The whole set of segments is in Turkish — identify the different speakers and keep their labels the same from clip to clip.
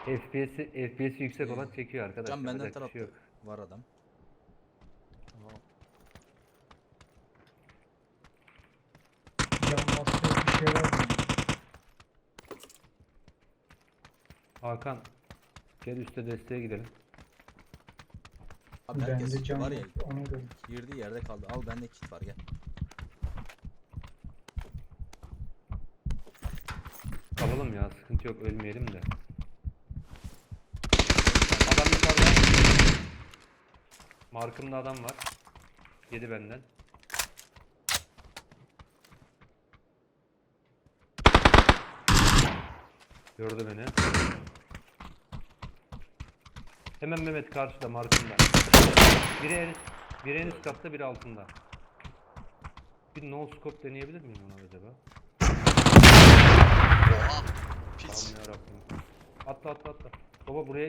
Speaker 1: FPS'i yüksek olan çekiyor arkadaşlar.
Speaker 2: Can benden
Speaker 1: Yapacak bir şey
Speaker 2: tarafta
Speaker 1: yok.
Speaker 2: var adam. Tamam.
Speaker 3: Can basıyor bir şey var mı?
Speaker 1: Hakan gel üstte desteğe gidelim.
Speaker 2: Abi herkes
Speaker 3: Bende can
Speaker 2: var ya,
Speaker 3: yok, ona göre.
Speaker 2: girdiği yerde kaldı. Al bende kit var, gel.
Speaker 1: Kalalım ya, sıkıntı yok, ölmeyelim de. Adam yukarıda. Markımda adam var. Yedi benden. Gördü beni. Hemen Mehmet karşıda markımda. Biri en üst katta, biri altında. Bir no scope deneyebilir miyim ona acaba?
Speaker 4: Oha. Piç.
Speaker 1: Allah'ım yarabbim. Atla. Baba buraya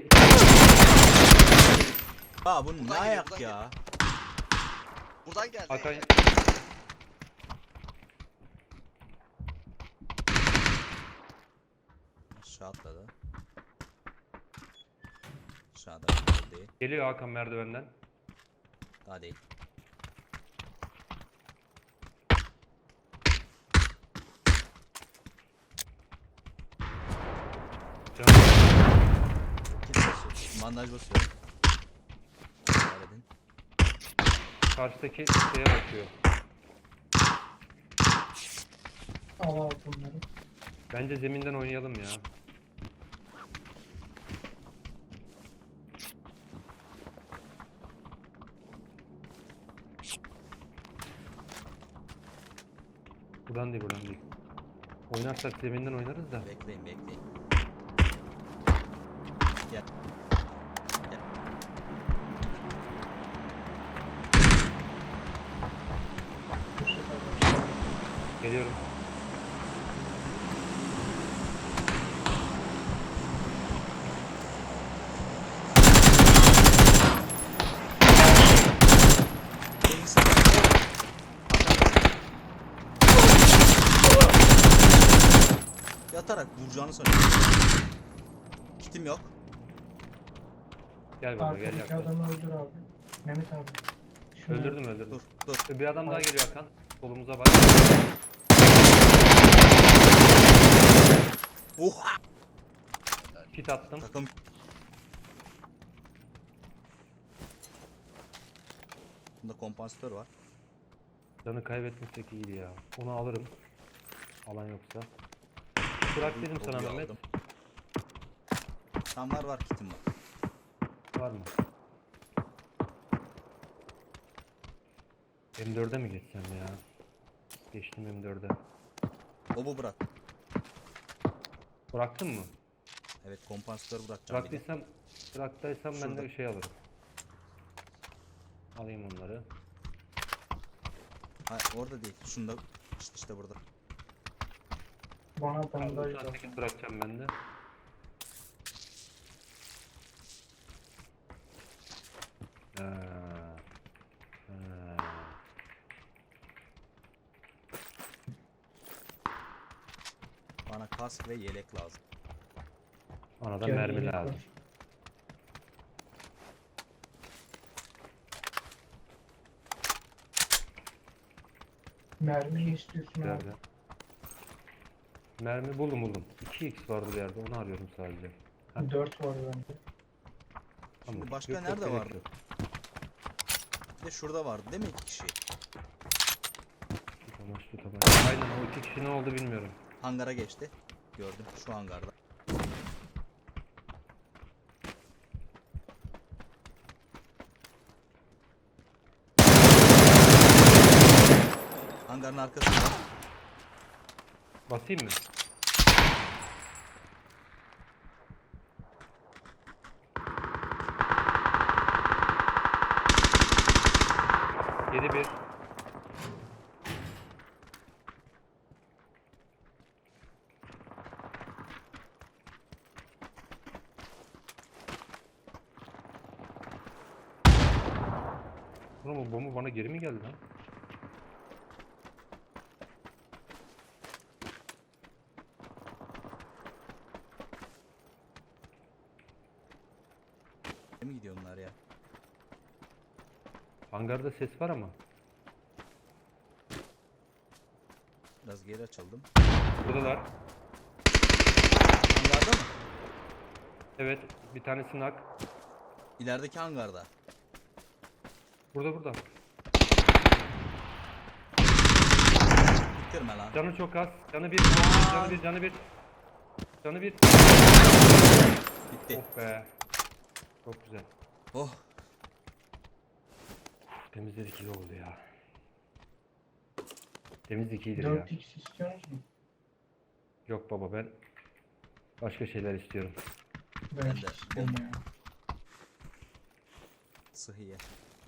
Speaker 2: Aa bu ne
Speaker 4: Buradan
Speaker 2: ayak
Speaker 4: buradan
Speaker 2: ya?
Speaker 4: Buradan geldi.
Speaker 1: Hakan
Speaker 2: Aşağı atladı. Aşağıda değil.
Speaker 1: geliyor Hakan merdivenden.
Speaker 2: Daha değil.
Speaker 1: Canım.
Speaker 2: Kit basıyor. Bandaj basıyor. Halledin.
Speaker 1: Karşıdaki şeye bakıyor.
Speaker 3: Al bunları.
Speaker 1: Bence zeminden oynayalım ya. Buradan değil. Oynarsak zeminden oynarız da.
Speaker 2: Bekleyin. Gel. Gel.
Speaker 1: Geliyorum.
Speaker 2: Gelin sen. Yatarak vuracağını sanıyorum. Kitim yok.
Speaker 1: Gel baba, gel
Speaker 3: Arkadaki
Speaker 1: yaklaş.
Speaker 3: adamı öldür abi. Mehmet abi. Şunu
Speaker 1: Öldürdüm.
Speaker 2: Dur.
Speaker 1: Bir adam daha geliyor Hakan. Solumuza bak.
Speaker 2: Oha!
Speaker 1: Kit attım.
Speaker 2: Takım bunda kompansatör var.
Speaker 1: Canı kaybetmesek iyiydi ya. Onu alırım. Alan yoksa. Bırak dedim sana
Speaker 2: Kovuyu
Speaker 1: Mehmet.
Speaker 2: aldım. Tam var kitim var.
Speaker 1: Var mı? M4'e mi geçsem ya? Geçtim M4'e.
Speaker 2: Obu bırak.
Speaker 1: Bıraktın mı?
Speaker 2: Evet, kompansatör bırakacağım bir de.
Speaker 1: Bıraktıysam ben de
Speaker 2: Şurada.
Speaker 1: bir şey alırım. Alayım onları.
Speaker 2: Hayır, orada değil. Şunda işte burada.
Speaker 3: Bana bandaj
Speaker 1: Tamam,
Speaker 3: lazım.
Speaker 1: bırakacağım ben de. Ha.
Speaker 2: Bana kask ve yelek lazım.
Speaker 1: Ona da
Speaker 3: Gel,
Speaker 1: mermi
Speaker 3: yelek
Speaker 1: lazım.
Speaker 3: var. Mermi istiyorsun abi.
Speaker 1: Nerede? Mermi buldum. 2x vardı bir yerde, onu arıyorum sadece. Ha.
Speaker 3: 4 var bende.
Speaker 1: Tamam.
Speaker 2: Şimdi başka
Speaker 1: Yok,
Speaker 2: nerede
Speaker 1: gerek
Speaker 2: vardı?
Speaker 1: yok.
Speaker 2: Bir de şurada vardı değil mi, 2 kişi?
Speaker 1: Tutamaç. Aynen, o iki kişi ne oldu bilmiyorum.
Speaker 2: Hangara geçti. Gördüm şu hangarda. Hangarın arkasında.
Speaker 1: Basayım mı? Yedi bir. Oğlum bu bomba bana geri mi geldi lan?
Speaker 2: Birlikte mi gidiyor onlar ya?
Speaker 1: Hangarda ses var ama.
Speaker 2: Biraz geri açıldım.
Speaker 1: Buradalar.
Speaker 2: Hangarda mı?
Speaker 1: Evet, bir tanesi nak.
Speaker 2: İlerideki hangarda.
Speaker 1: Burada.
Speaker 2: Bitirme lan.
Speaker 1: Canı çok az. Canı bir. Canı bir.
Speaker 2: Bitti.
Speaker 1: Oh be. Çok güzel.
Speaker 2: Oh.
Speaker 1: Temizledik iyi oldu ya. Temizlik iyidir ya.
Speaker 3: 4x istiyorsunuz mu?
Speaker 1: Yok baba ben başka şeyler istiyorum.
Speaker 3: Ben
Speaker 2: de.
Speaker 3: istiyorum ya.
Speaker 2: Sıhhiye.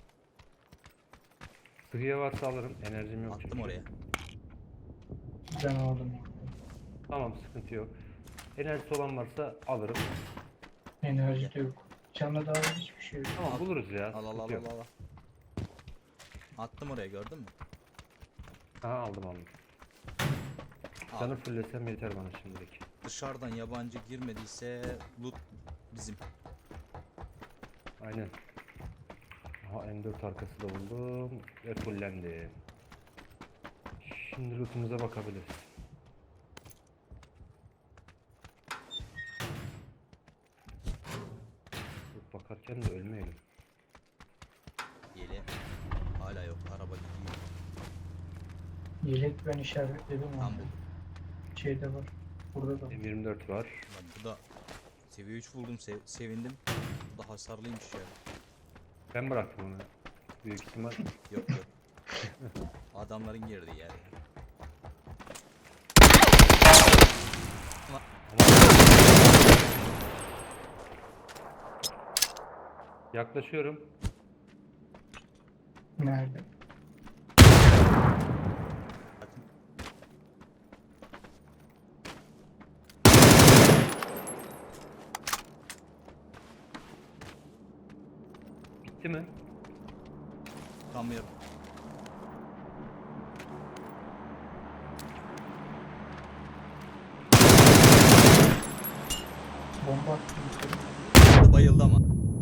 Speaker 1: Sıhhiye varsa alırım. Enerjim yok
Speaker 2: Attım
Speaker 1: çünkü.
Speaker 2: oraya.
Speaker 3: Ben aldım.
Speaker 1: Tamam sıkıntı yok. Enerjisi olan varsa alırım.
Speaker 3: Enerji de yok. Canla daha hiçbir şey yok.
Speaker 1: Tamam buluruz ya.
Speaker 2: Al al
Speaker 1: sıkıntı
Speaker 2: al
Speaker 1: yok.
Speaker 2: al al. Attım oraya, gördün mü?
Speaker 1: Aha aldım.
Speaker 2: Al.
Speaker 1: Canı fullesem yeter bana şimdilik.
Speaker 2: Dışarıdan yabancı girmediyse loot bizim.
Speaker 1: Aynen. Aha M4 arkası da buldum ve fullendi. Şimdi lootumuza bakabiliriz. Loot bakarken de ölmeyelim.
Speaker 2: Yeli. Hala yok. Araba gidiyor.
Speaker 3: Yelek ben işaretledim
Speaker 2: Tam
Speaker 3: onu.
Speaker 2: buldum.
Speaker 3: Şeyde var. Burada da var.
Speaker 1: M24 var.
Speaker 2: Lan bu da seviye 3 buldum. Sevindim. Bu da hasarlıymış ya.
Speaker 1: Ben bıraktım onu. Büyük ihtimal.
Speaker 2: Yok yok. Adamların girdiği yer.
Speaker 1: Yaklaşıyorum.
Speaker 3: Nerede?
Speaker 1: Bitti mi?
Speaker 2: Tutamıyorum.
Speaker 3: Bomba attım içeri.
Speaker 2: Bayıldı ama.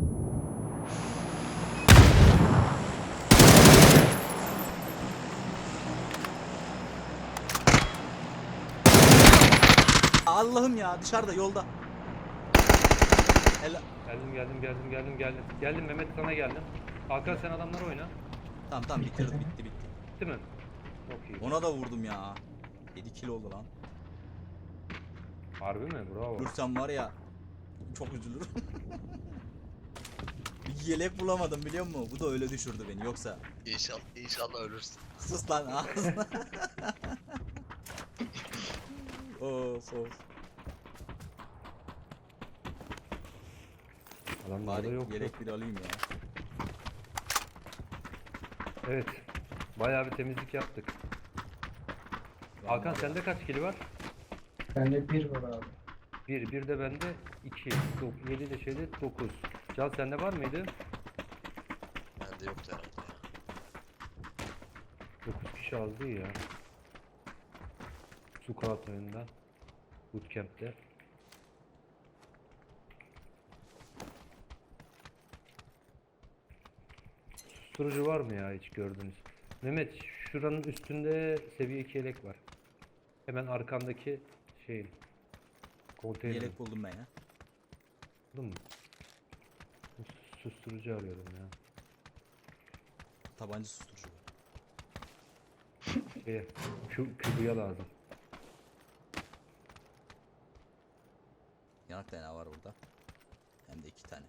Speaker 2: Allah'ım ya, dışarıda yolda. Helal.
Speaker 1: Geldim Mehmet sana geldim. Hakan sen adamları oyna.
Speaker 2: Tamam bitirdi, bitti.
Speaker 1: Bitti mi? Çok iyi.
Speaker 2: Ona da vurdum ya. 7 kilo oldu lan.
Speaker 1: Harbi mi? Bravo.
Speaker 2: Ölürsem var ya çok üzülürüm. Bir yelek bulamadım biliyor musun? Bu da öyle düşürdü beni, yoksa.
Speaker 4: İnşallah ölürsün.
Speaker 2: Sus lan ağzına. Of.
Speaker 1: Adamlarda
Speaker 2: Bari
Speaker 1: yok.
Speaker 2: yelek bir alayım ya.
Speaker 1: Evet. Bayağı bir temizlik yaptık. Hakan sende kaç kili var?
Speaker 3: Bende 1 var abi.
Speaker 1: 1 de bende 2. 7 de şeyde 9. Can sende var mıydı?
Speaker 4: Bende yoktu herhalde ya.
Speaker 1: 9 kişi az değil ya. Squat oyunda. Bootcamp'te. Susturucu var mı ya hiç gördünüz? Mehmet şuranın üstünde seviye 2 yelek var. Hemen arkandaki şeyin. Konteyner.
Speaker 2: Yelek buldum ben ya.
Speaker 1: Buldun mu? Susturucu arıyorum ya.
Speaker 2: Tabanca susturucu var.
Speaker 1: Kübüye lazım.
Speaker 2: Yanak kaynağı var burada. Hem de 2 tane.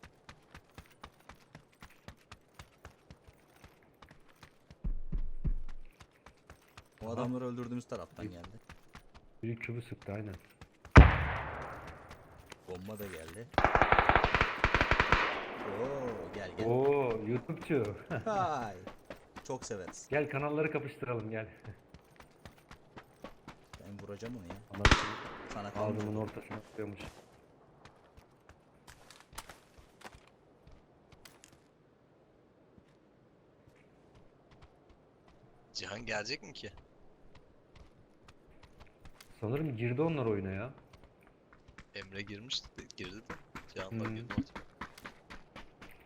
Speaker 2: O adamları öldürdüğümüz taraftan geldi.
Speaker 1: Biri kübü sıktı aynen.
Speaker 2: Bomba da geldi. Oo, gel.
Speaker 1: Oo YouTube'cu.
Speaker 2: Hay. Çok severiz.
Speaker 1: Gel kanalları kapıştıralım gel.
Speaker 2: Ben vuracağım onu ya.
Speaker 1: Anasını
Speaker 2: Sana
Speaker 1: ağzımın
Speaker 2: kalmış.
Speaker 1: ortasına tutuyormuş.
Speaker 4: Cihan gelecek mi ki?
Speaker 1: Sanırım girdi onlar oyuna ya.
Speaker 4: Emre girdi de. Cihan'la
Speaker 1: Hmm.
Speaker 4: girdi.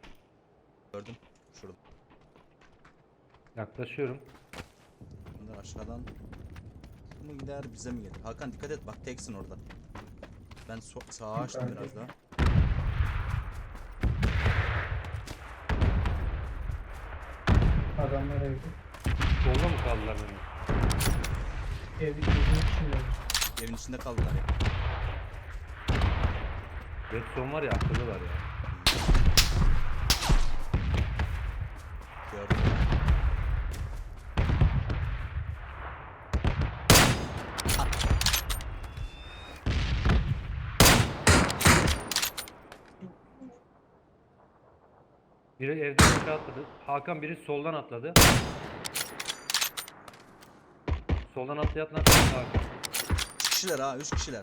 Speaker 2: Gördüm. Şurada.
Speaker 1: Yaklaşıyorum.
Speaker 2: Bunlar aşağıdan mı gider bize mi gelir? Hakan dikkat et bak teksin orada. Ben sağa açtım biraz daha.
Speaker 3: Adamlar evde.
Speaker 1: Solda mı kaldılar Mehmet?
Speaker 3: Evin içinde.
Speaker 2: Evin içinde kaldılar ya.
Speaker 1: Redstone var ya akıllılar ya.
Speaker 2: Gördüm.
Speaker 1: Biri evden aşağı atladı. Hakan biri soldan atladı. Soldan atlayan Hakan.
Speaker 2: 3 kişiler ha 3 kişiler.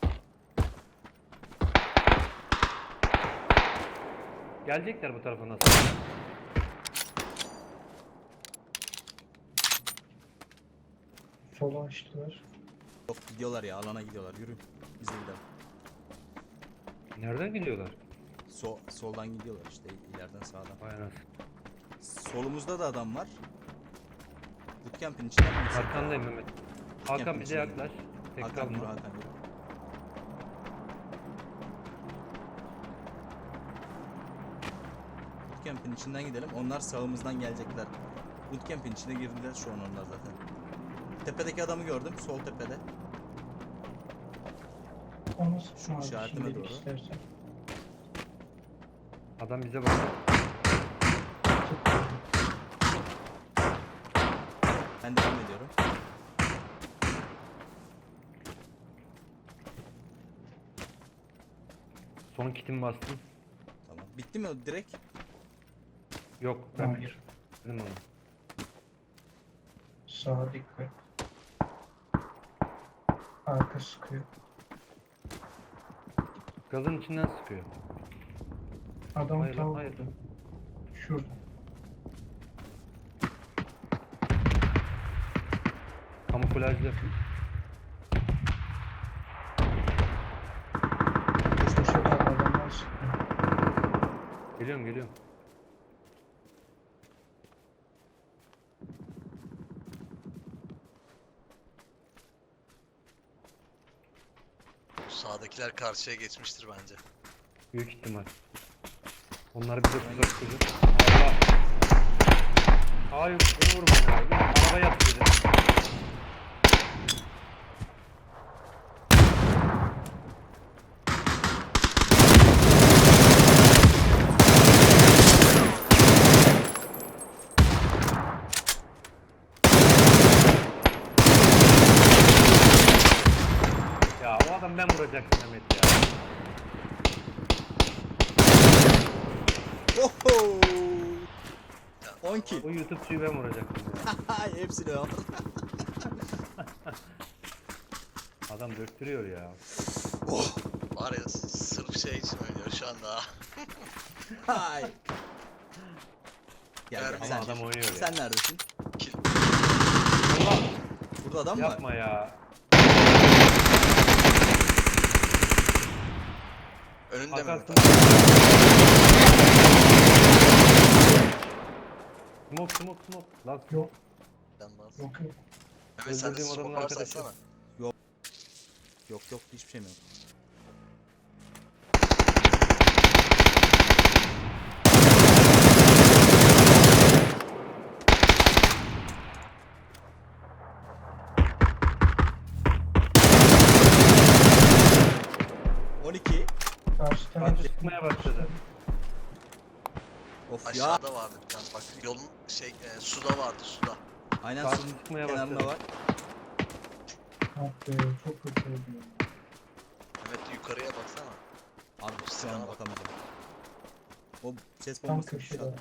Speaker 1: Gelecekler bu tarafa nasıl?
Speaker 3: Sola açtılar.
Speaker 2: Yok gidiyorlar ya alana gidiyorlar yürü. Biz de gidelim.
Speaker 1: Nereden gidiyorlar?
Speaker 2: Soldan gidiyorlar işte ileriden sağdan.
Speaker 1: Vay anasını.
Speaker 2: Solumuzda da adam var. Bootcamp'in içinden mi gitsek?
Speaker 1: Arkandayım Mehmet. Hakan
Speaker 2: Bootcamp'in
Speaker 1: bize
Speaker 2: içinden
Speaker 1: yaklaş.
Speaker 2: gidelim.
Speaker 1: Tek
Speaker 2: Hakan yürü
Speaker 1: kalma.
Speaker 2: Hakan yürü. Bootcamp'in içinden gidelim. Onlar sağımızdan gelecekler. Bootcamp'in içine girdiler şu an onlar zaten. Tepedeki adamı gördüm. Sol tepede.
Speaker 3: O nasıl
Speaker 2: Şu
Speaker 3: abi,
Speaker 2: işaretime
Speaker 3: şimdilik
Speaker 2: doğru.
Speaker 3: istersen.
Speaker 1: Adam bize bakıyor.
Speaker 2: Ben devam ediyorum.
Speaker 1: Son kitimi bastım.
Speaker 2: Tamam. Bitti mi o direkt?
Speaker 1: Yok ben
Speaker 3: Hayır.
Speaker 1: bitirdim onu.
Speaker 3: Sağa dikkat. Arka sıkıyor.
Speaker 1: Gazın içinden sıkıyor.
Speaker 3: Adam
Speaker 1: Hayır lan,
Speaker 3: tam
Speaker 1: hayır.
Speaker 3: burada. Şurada.
Speaker 1: Kamuflajlı.
Speaker 3: Dışarıda adamlar sıkıyor.
Speaker 1: Geliyorum geliyorum.
Speaker 4: Sağdakiler karşıya geçmiştir bence.
Speaker 1: Büyük ihtimal. Onları bize tuzak kurdu. Allah. Hayır beni vurma ya. Arabaya yat dedi. Ya o adam ben vuracaktım Mehmet ya.
Speaker 2: Oho! 10 kill.
Speaker 1: O YouTube'cuyu ben vuracaktım ya.
Speaker 2: Hepsini al.
Speaker 1: Adam döktürüyor ya.
Speaker 4: Var ya sırf şey için oynuyor şu anda.
Speaker 2: Hay. Gel
Speaker 4: Ama
Speaker 2: gel sen.
Speaker 1: adam oynuyor ya.
Speaker 2: Sen neredesin?
Speaker 4: Kill.
Speaker 1: Allah
Speaker 2: Burada adam mı var?
Speaker 1: yapma ya.
Speaker 4: Önünde mi?
Speaker 1: Hakan smoke smoke. Lan
Speaker 3: Yok.
Speaker 4: Ben bas.
Speaker 3: Yok yok.
Speaker 4: Mehmet sen de
Speaker 1: Öldürdüğüm adamın
Speaker 4: smoke varsa
Speaker 1: arkadaşı.
Speaker 4: atsana.
Speaker 2: Yok hiçbir şeyim yok.
Speaker 3: Karşı
Speaker 1: Bak
Speaker 3: tarafı
Speaker 1: çıkmaya başladı.
Speaker 2: Of ya.
Speaker 4: Aşağıda vardı bir tane bak yolun suda vardı suda.
Speaker 2: Aynen
Speaker 1: Karşı
Speaker 2: suyun
Speaker 1: çıkmaya
Speaker 2: kenarında
Speaker 1: başladı.
Speaker 2: var.
Speaker 3: Ah be, çok kötü oldu ya.
Speaker 4: Mehmet yukarıya baksana.
Speaker 2: Abi şu
Speaker 4: Silahına
Speaker 2: an
Speaker 4: bak.
Speaker 2: bakamayacağım. O ses
Speaker 3: Tam
Speaker 2: bombası
Speaker 3: köşede.
Speaker 2: şu an.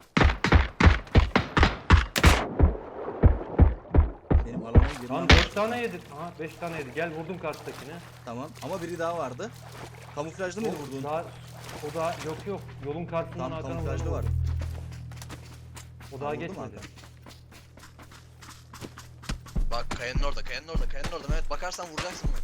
Speaker 2: Benim alana girmem.
Speaker 1: Lan 4 tane yedi. Aha 5 tane yedi. Gel vurdum karşıdakini.
Speaker 2: Tamam ama biri daha vardı. Kamuflajlı mıydı vurduğun?
Speaker 1: O da yok. Yolun karşısından
Speaker 2: Tam
Speaker 1: Hakan'a
Speaker 2: kamuflajlı
Speaker 1: vurdum.
Speaker 2: var.
Speaker 1: O daha
Speaker 2: Vurdu mu
Speaker 1: geçmedi.
Speaker 2: Hakan?
Speaker 4: Bak kayanın orada Mehmet bakarsan vuracaksın Mehmet.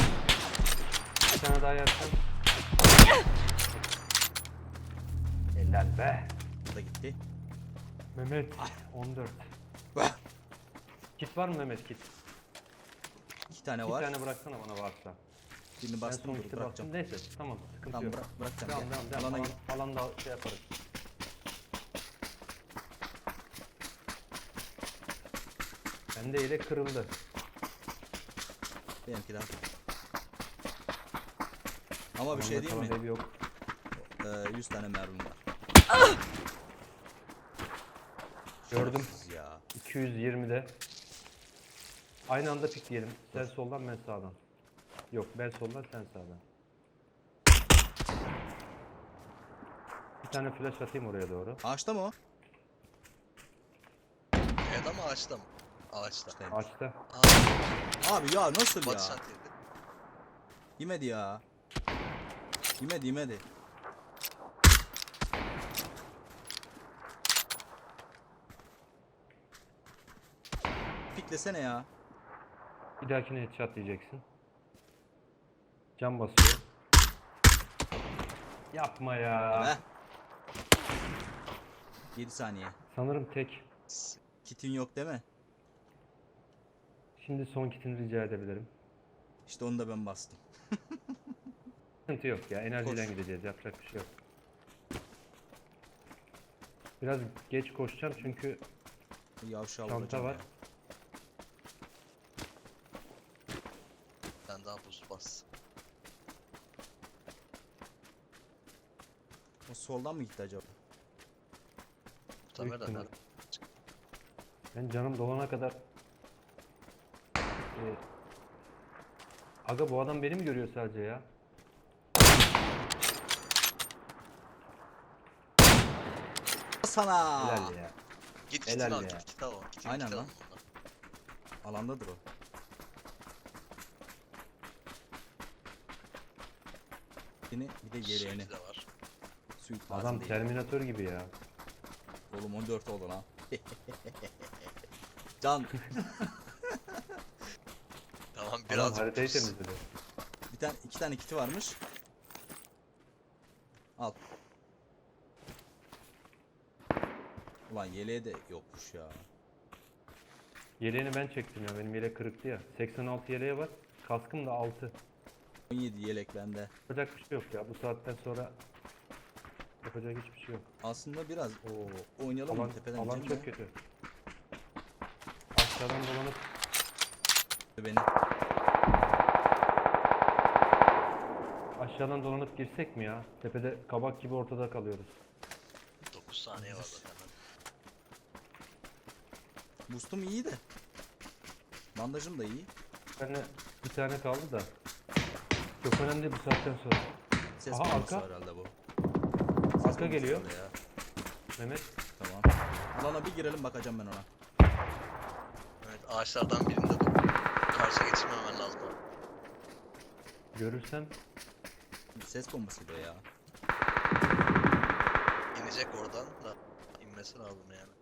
Speaker 1: Bir tane daha yersen.
Speaker 2: Helal.
Speaker 1: Helal be.
Speaker 2: Bu da gitti.
Speaker 1: Mehmet 14.
Speaker 2: Bah!
Speaker 1: Kit var mı Mehmet kit?
Speaker 2: 2 tane
Speaker 1: İki
Speaker 2: var.
Speaker 1: tane bıraksana bana varsa.
Speaker 2: Birini
Speaker 1: Ben
Speaker 2: bastım
Speaker 1: son
Speaker 2: dur
Speaker 1: kiti
Speaker 2: bırakacağım.
Speaker 1: bastım. Neyse tamam sıkıntı
Speaker 2: Tamam
Speaker 1: yok.
Speaker 2: bırakacağım.
Speaker 1: Devam
Speaker 2: Gel.
Speaker 1: devam devam.
Speaker 2: Alana gir.
Speaker 1: Alanda şey yaparız. Bende yelek kırıldı.
Speaker 2: Benimki daha. Ama bir şey
Speaker 1: Alanda
Speaker 2: değil mi?
Speaker 1: kalan ev yok.
Speaker 2: 100 tane mermim var.
Speaker 1: Gördüm.
Speaker 2: Şerefsiz ya.
Speaker 1: 220'de. Aynı anda pikleyelim. Sen soldan ben sağdan. Yok ben soldan sen sağdan. Bir tane flash atayım oraya doğru.
Speaker 2: Ağaçta mı o?
Speaker 4: Kayada mı ağaçta mı? Ağaçta.
Speaker 2: İşte.
Speaker 1: Açta.
Speaker 4: Aa,
Speaker 2: Abi ya nasıl
Speaker 4: Batı
Speaker 2: ya?
Speaker 4: şantiydi.
Speaker 2: Yemedi ya. Yemedi. Piklesene ya.
Speaker 1: Bir dahakine headshot diyeceksin. Cam basıyor. Yapma ya.
Speaker 2: Be. 7 saniye.
Speaker 1: Sanırım tek.
Speaker 2: Kitin yok değil mi?
Speaker 1: Şimdi son kitini rica edebilirim.
Speaker 2: İşte onu da ben bastım.
Speaker 1: Sıkıntı yok ya. Enerjiyle
Speaker 2: Koş.
Speaker 1: gideceğiz. Yapacak bir şey yok. Biraz geç koşacağım çünkü
Speaker 2: Yavşağı
Speaker 1: çanta
Speaker 2: vuracağım
Speaker 1: var.
Speaker 2: ya.
Speaker 4: Sen daha buz bas.
Speaker 2: O soldan mı gitti acaba?
Speaker 4: Muhtemelen
Speaker 1: ihtimal.
Speaker 4: nerede?
Speaker 1: ben canım dolana kadar Aga bu adam beni mi görüyor sadece ya?
Speaker 2: Sana.
Speaker 1: Helal ya.
Speaker 4: Git
Speaker 1: Helal
Speaker 4: kitini al,
Speaker 1: ya.
Speaker 4: git kit al. Git
Speaker 2: Aynen
Speaker 4: kit al
Speaker 2: lan.
Speaker 4: ondan.
Speaker 2: Alandadır o. Yine bir de yeleğini.
Speaker 4: Suiti de var.
Speaker 2: Suit
Speaker 1: Adam
Speaker 2: lazım değil.
Speaker 1: Terminator gibi ya.
Speaker 2: Oğlum 14 oldu lan. Can
Speaker 4: Tamam
Speaker 1: Adam
Speaker 4: biraz
Speaker 1: haritayı
Speaker 4: buz.
Speaker 1: temizledi.
Speaker 2: bir tane 2 tane kiti varmış. Al. Ulan yeleğe de yokmuş ya.
Speaker 1: Yeleğini ben çektim ya. Benim yelek kırıktı ya. 86 yeleğe var. Kaskım da 6.
Speaker 2: 17 yelek bende.
Speaker 1: Yapacak bir şey yok ya. Bu saatten sonra yapacak hiçbir şey yok.
Speaker 2: Aslında biraz oynayalım
Speaker 1: Alan,
Speaker 2: mı tepeden
Speaker 1: alan
Speaker 2: ineceğim
Speaker 1: çok
Speaker 2: de.
Speaker 1: kötü. Aşağıdan dolanıp
Speaker 2: Beni.
Speaker 1: aşağıdan dolanıp girsek mi ya? Tepede kabak gibi ortada kalıyoruz.
Speaker 4: 9 saniye var zaten.
Speaker 2: Boost'um iyi de. Bandajım da iyi.
Speaker 1: Bir tane kaldı da. Çok önemli değil bu saatten sonra.
Speaker 2: Ses
Speaker 1: Aha,
Speaker 2: bombası
Speaker 1: arka.
Speaker 2: herhalde bu.
Speaker 1: Arka geliyor.
Speaker 2: herhalde ya.
Speaker 1: Mehmet.
Speaker 2: Tamam. Alana bir girelim bakacağım ben ona.
Speaker 4: Evet ağaçlardan birinde dur. Karşı geçirmemen lazım.
Speaker 1: Görürsem
Speaker 2: Ses bombasıydı o ya.
Speaker 4: İnecek oradan da inmesi lazım yani.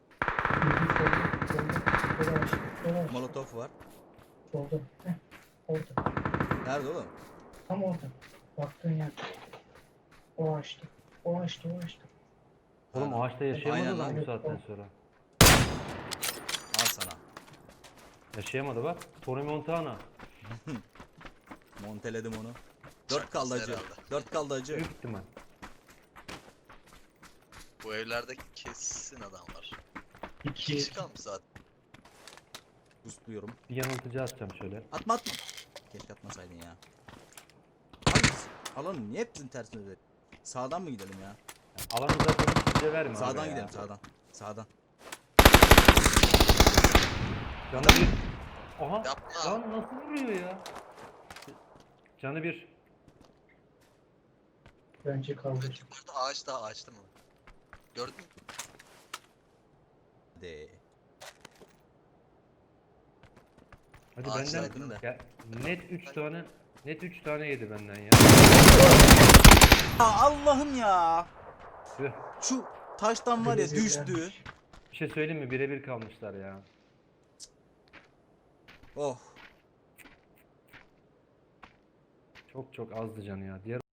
Speaker 3: Solda.
Speaker 2: Molotov var.
Speaker 3: Solda. Heh, orada.
Speaker 2: Nerede oğlum?
Speaker 3: Tam orada. Baktığın yer. O açtı. O açtı.
Speaker 1: oğlum
Speaker 2: Nerede?
Speaker 1: ağaçta yaşayamadı
Speaker 2: Aynen
Speaker 1: lan
Speaker 3: lan.
Speaker 1: bu saatten sonra.
Speaker 2: Al sana.
Speaker 1: Yaşayamadı bak. Tony Montana.
Speaker 2: Monteledim onu. 4
Speaker 4: Çakması
Speaker 2: kaldı acı.
Speaker 4: herhalde.
Speaker 2: 4 kaldı acı.
Speaker 1: Büyük ihtimal.
Speaker 4: Bu evlerde kesin adam var. 2
Speaker 3: 2.
Speaker 4: kişi kalmış zaten.
Speaker 2: Boostluyorum.
Speaker 1: Bir yanıltıcı atacağım şöyle.
Speaker 2: Atma. Keşke atmasaydın ya. Hangisi? Alanın niye hepsinin tersine özel? Sağdan mı gidelim ya?
Speaker 1: Alanı zaten size verme abi
Speaker 2: Sağdan
Speaker 1: ya.
Speaker 2: gidelim sağdan. Sağdan.
Speaker 1: Canı bir. Aha.
Speaker 4: Yapma.
Speaker 1: Lan nasıl vuruyor ya? Canı bir.
Speaker 3: Bence kaldır.
Speaker 4: Yukarıda ağaçta ağaçta mı? Gördün mü?
Speaker 2: De.
Speaker 1: Hadi
Speaker 4: Ağaçtaydın
Speaker 1: benden.
Speaker 2: da.
Speaker 1: Ya, net 3 tane yedi benden ya.
Speaker 2: Allah'ım ya.
Speaker 1: Tüh.
Speaker 2: Şu taştan var ya düştü.
Speaker 3: Rezillenmiş.
Speaker 1: Bir şey söyleyeyim mi? Birebir kalmışlar ya.
Speaker 2: Oh.
Speaker 1: Çok azdı canı ya. Diğer